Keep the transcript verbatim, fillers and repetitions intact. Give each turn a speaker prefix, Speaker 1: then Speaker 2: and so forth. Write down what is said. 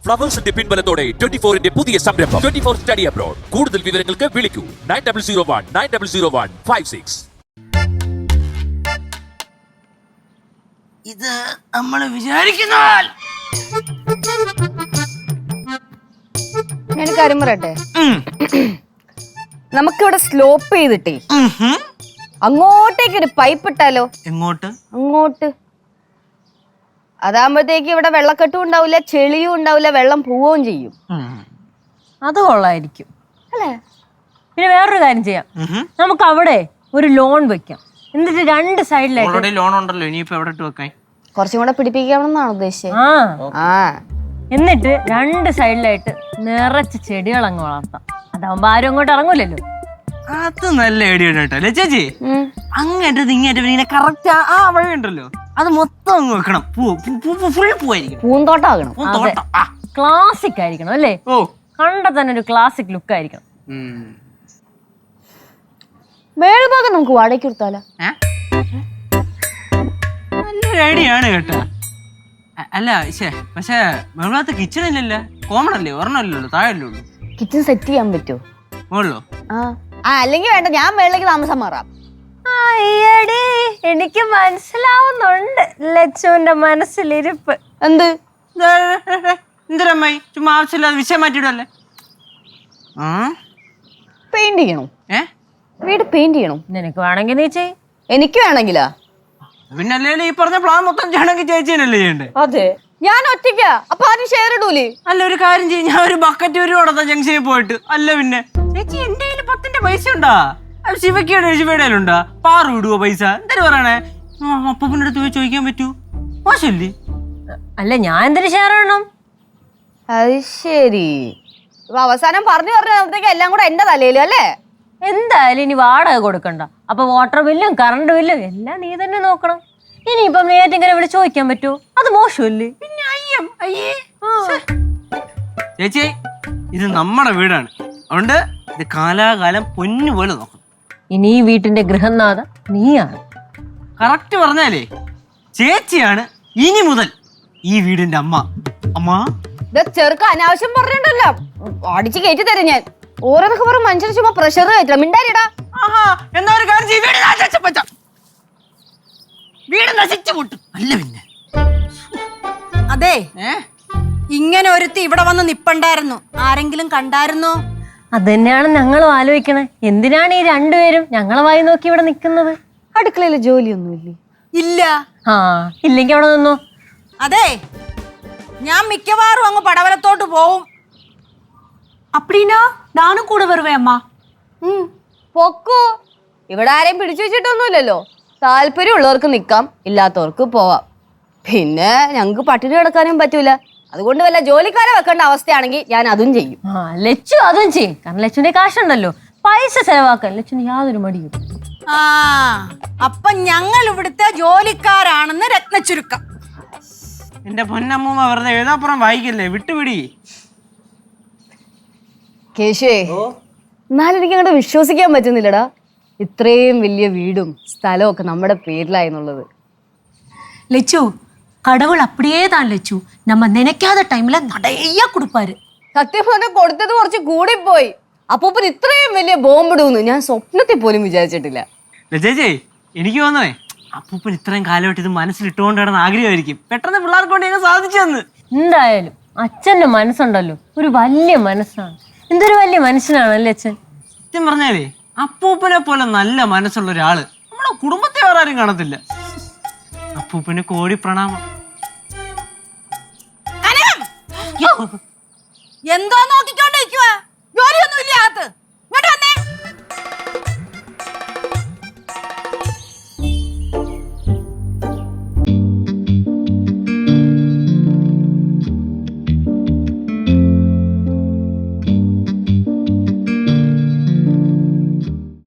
Speaker 1: ഫ്ലവേഴ്സിന്റെ പിൻബലത്തോടെ twenty ഫോറിന്റെ പുതിയ സംരംഭം ട്വന്റി ഫോർ സ്റ്റഡി അബ്രോഡ്. കൂടുതൽ വിവരങ്ങൾക്ക് വിളിക്കൂ nine double zero one nine double zero one five six.
Speaker 2: ഇത് നമ്മൾ വിചാരിക്കുന്ന
Speaker 3: ഞാൻ കാര്യം പറയട്ടെ, നമുക്കിവിടെ സ്ലോപ്പ് ചെയ്തിട്ടേ അങ്ങോട്ടേക്ക് ഒരു പൈപ്പ് ഇട്ടാലോ?
Speaker 2: എങ്ങോട്ട്?
Speaker 3: അങ്ങോട്ട്. അതാകുമ്പോഴത്തേക്ക് ഇവിടെ വെള്ളക്കെട്ടും ഉണ്ടാവില്ല, ചെളിയും ഉണ്ടാവില്ല, വെള്ളം പോവുകയും ചെയ്യും.
Speaker 4: അത് കൊള്ളായിരിക്കും
Speaker 3: അല്ലേ?
Speaker 4: പിന്നെ വേറൊരു കാര്യം ചെയ്യാം, നമുക്ക് അവിടെ ഒരു ലോൺ വെക്കാം. എന്നിട്ട് രണ്ട് സൈഡിലായിട്ട്
Speaker 2: ലോൺ ഉണ്ടല്ലോ, ഇനിയിപ്പോ എവിടെ ഇട്ട് വെക്കാൻ?
Speaker 3: കുറച്ചും കൂടെ പിടിപ്പിക്കാമെന്നാണ് ഉദ്ദേശിച്ചത്.
Speaker 4: ആ എന്നിട്ട് രണ്ട് സൈഡിലായിട്ട് നിറച്ച് ചെടികൾ അങ്ങ് വളർത്താം. അതാവുമ്പോ ആരും അങ്ങോട്ട് ഇറങ്ങൂലല്ലോ.
Speaker 2: അത് നല്ല ഐഡിയ കേട്ടോ ചേച്ചി. അങ്ങേറ്റത് ഇങ്ങേറ്റത് ഇങ്ങനെ കറക്റ്റ് ആ വഴി ഉണ്ടല്ലോ, അത് മൊത്തം അങ്ങ് വെക്കണം. ഫുൾ പൂവായിരിക്കും,
Speaker 3: പൂന്തോട്ടമാകണം.
Speaker 4: ക്ലാസിക് ആയിരിക്കണം അല്ലേ?
Speaker 2: ഓ,
Speaker 4: കണ്ട തന്നെ ഒരു ക്ലാസിക് ലുക്ക് ആയിരിക്കണം.
Speaker 3: മേൽഭാഗം നമുക്ക് വാടകയ്ക്ക് കൊടുത്താലോ?
Speaker 2: നല്ലൊരു ഐഡിയ ആണ് കേട്ടോ. അല്ല ശേ, പക്ഷേ മേളത്തെ കിച്ചൺ ഇല്ലല്ലോ, കോമൺ അല്ലേ, ഒരെണ്ണല്ലോ, താഴല്ലേ ഉള്ളൂ.
Speaker 3: കിച്ചൺ സെറ്റ് ചെയ്യാൻ പറ്റുമോ?
Speaker 2: മുകളിലോ?
Speaker 3: ആ അല്ലെങ്കിൽ വേണ്ട, ഞാൻ മേളിലേക്ക് താമസം മാറാം.
Speaker 4: അയ്യടി, എനിക്ക് മനസ്സിലാവുന്നുണ്ട് ലച്ചുവിന്റെ മനസ്സിലിരിപ്പ്.
Speaker 3: എന്ത്
Speaker 2: എന്തൊരമ്മായി ചുമ്മാ ആവശ്യമില്ലാതെ വിഷയം മാറ്റിയിടല്ലേ.
Speaker 3: പെയിന്റ് ചെയ്യണോ?
Speaker 2: ഏ
Speaker 3: വീട് പെയിന്റ് ചെയ്യണോ?
Speaker 4: നിനക്ക് വേണമെങ്കിൽ നീ ചെയ്.
Speaker 3: എനിക്ക് വേണമെങ്കിലാ?
Speaker 2: പിന്നെ അല്ലേ ഈ പറഞ്ഞ പ്ലാൻ മൊത്തം ചെയ്യണമെങ്കിൽ ചേച്ചിയല്ലേ ചെയ്യണ്ടേ?
Speaker 3: അതെ, ഞാൻ ഒറ്റയ്ക്കാ, അപ്പൊ ആരും ഷെയർ ഇടൂലേ?
Speaker 2: അല്ല ഒരു കാര്യം ചെയ്യും, ഞാൻ ഒരു ബക്കറ്റ് ഒരു കൊടുത്ത ജംഗ്ഷനിൽ പോയിട്ട്. അല്ല പിന്നെ ചേച്ചി എന്റെ കയ്യിൽ പത്തിന്റെ പൈസ ഉണ്ടാ? ശിവക്കയുടെ ശിവയുടെ ഉണ്ടാ? പാറു ഇടുവോ പൈസ? എന്തായാലും പറയണേ, അപ്പൂപ്പിന്റെ അടുത്ത് പോയി ചോദിക്കാൻ പറ്റൂ? മോശല്ലേ?
Speaker 4: അല്ല ഞാൻ എന്തിനു ഷെയർ ചെയ്യണം?
Speaker 3: അത് ശരി. അപ്പൊ അവസാനം പറഞ്ഞു പറഞ്ഞപ്പോഴത്തേക്ക് എല്ലാം കൂടെ എന്റെ തലയിലും അല്ലേ?
Speaker 4: എന്തായാലും ഇനി വാടക കൊടുക്കണ്ട. അപ്പൊ വാട്ടർ ബില്ലും കറണ്ട് ബില്ലും എല്ലാം നീ തന്നെ നോക്കണം. ഇനിയിപ്പം നേരിട്ടിങ്ങനെ ഇവിടെ ചോദിക്കാൻ പറ്റുമോ? അത് മോശമല്ലേ?
Speaker 2: പിന്നെ അയ്യം അയ്യേ. ചേച്ചി ഇത് നമ്മുടെ വീടാണ്, അതുകൊണ്ട് ഇത് കാലാകാലം പൊന്നു പോലെ നോക്കണം.
Speaker 4: ഇനി ഈ വീട്ടിന്റെ ഗൃഹനാഥ നീയാണ്.
Speaker 2: കറക്റ്റ് പറഞ്ഞാലേ ചേച്ചിയാണ് ഇനി മുതൽ ഈ വീടിന്റെ അമ്മ. അമ്മ
Speaker 3: ചെറുക്ക അനാവശ്യം പറഞ്ഞിട്ടല്ലോ, അടിച്ച് കയറ്റി തരും ഞാൻ. ഓരോന്നൊക്കെ പറഞ്ഞ മനുഷ്യന് ചുമ്മാ പ്രഷർ കയറ്റില്ല. മിണ്ടാരിടാ.
Speaker 2: എന്നാ ഒരു കാര്യം ചെയ്യ്, വീട് നശിച്ച വീട് നശിച്ചു പൊട്ടും. അല്ല പിന്നെ
Speaker 5: അതെ, ഇങ്ങനെ ഒരുത്തി ഇവിടെ വന്ന് നിപ്പണ്ടായിരുന്നു, ആരെങ്കിലും കണ്ടായിരുന്നോ?
Speaker 4: അതന്നെയാണ് ഞങ്ങളും ആലോചിക്കണേ. എന്തിനാണ് ഈ രണ്ടുപേരും ഞങ്ങളെ വായി നോക്കി ഇവിടെ നിൽക്കുന്നത്?
Speaker 3: അടുക്കളയില് ജോലിയൊന്നുമില്ലേ?
Speaker 5: ഇല്ല.
Speaker 4: ആ ഇല്ലെങ്കിൽ അവിടെ നിന്നോ.
Speaker 5: അതെ, ഞാൻ മിക്കവാറും അങ്ങ് പടവലത്തോട്ട് പോവും.
Speaker 6: அப்படினா நானும் கூட வருவேன் அம்மா.
Speaker 3: പൊക്കോ, ഇവിടെ ആരെയും പിടിച്ചു വെച്ചിട്ടൊന്നുമില്ലല്ലോ. താല്പര്യമുള്ളവർക്ക് നിക്കാം, ഇല്ലാത്തവർക്ക് പോവാം. പിന്നെ ഞങ്ങക്ക് പട്ടിണി കിടക്കാനും പറ്റൂല. അതുകൊണ്ട് വല്ല ജോലിക്കാരെ വെക്കേണ്ട അവസ്ഥയാണെങ്കിൽ ഞാൻ അതും ചെയ്യും.
Speaker 4: ആ ലച്ചു അതും ചെയ്യും, കാരണം ലച്ചുവിന്റെ കാശുണ്ടല്ലോ. പൈസ ചെലവാക്കാൻ ലച്ചുവിന് യാതൊരു മടിയും.
Speaker 5: ആ അപ്പൊ ഞങ്ങൾ ഇവിടുത്തെ ജോലിക്കാരാണെന്ന് രത്നച്ചുരുക്കം.
Speaker 2: എന്റെ പൊന്നമ്മൂമ്മ വെറുതെ എഴുതാപ്പുറം വായിക്കല്ലേ, വിട്ടുപിടി.
Speaker 3: കേശുവേ, എന്നാലും എനിക്ക് അങ്ങോട്ട് വിശ്വസിക്കാൻ പറ്റുന്നില്ലടാ, ഇത്രയും വലിയ വീടും സ്ഥലവും ഒക്കെ നമ്മുടെ പേരിലായെന്നുള്ളത്.
Speaker 6: லெச்சு, கடவுள் அப்படியே தான் லெச்சு, நம்ம நினைக்காத டைம்ல நிறைய கொடுப்பாரு.
Speaker 3: സത്യം പറഞ്ഞാൽ കൊടുത്തത് കുറച്ച് കൂടിപ്പോയി. അപ്പൂപ്പൻ ഇത്രയും വലിയ ബോംബിടുമെന്ന് ഞാൻ സ്വപ്നത്തിൽ പോലും വിചാരിച്ചിട്ടില്ല.
Speaker 2: ചേച്ചി എനിക്ക് തോന്നണേ അപ്പൂപ്പൻ ഇത്രയും കാലമായിട്ട് ഇത് മനസ്സിലിട്ടുകൊണ്ട് കിടന്ന ആഗ്രഹമായിരിക്കും, പെട്ടെന്ന് പിള്ളേർക്ക് കൊണ്ട് ഞങ്ങൾ സാധിച്ചു തന്ന്.
Speaker 4: എന്തായാലും അച്ഛന്റെ മനസ്സുണ്ടല്ലോ, ഒരു വലിയ മനസ്സാണ്. എന്തൊരു വലിയ മനുഷ്യനാണല്ലേ അച്ഛൻ.
Speaker 2: സത്യം പറഞ്ഞാലേ അപ്പൂപ്പനെ പോലെ നല്ല മനസ്സുള്ള ഒരാള് നമ്മുടെ കുടുംബത്തെ വേറെ ആരും കാണത്തില്ല. അപ്പൂപ്പന് കോടി പ്രണാമം.
Speaker 5: എന്തോ നോക്കിക്കൊണ്ടിരിക്കുവാ?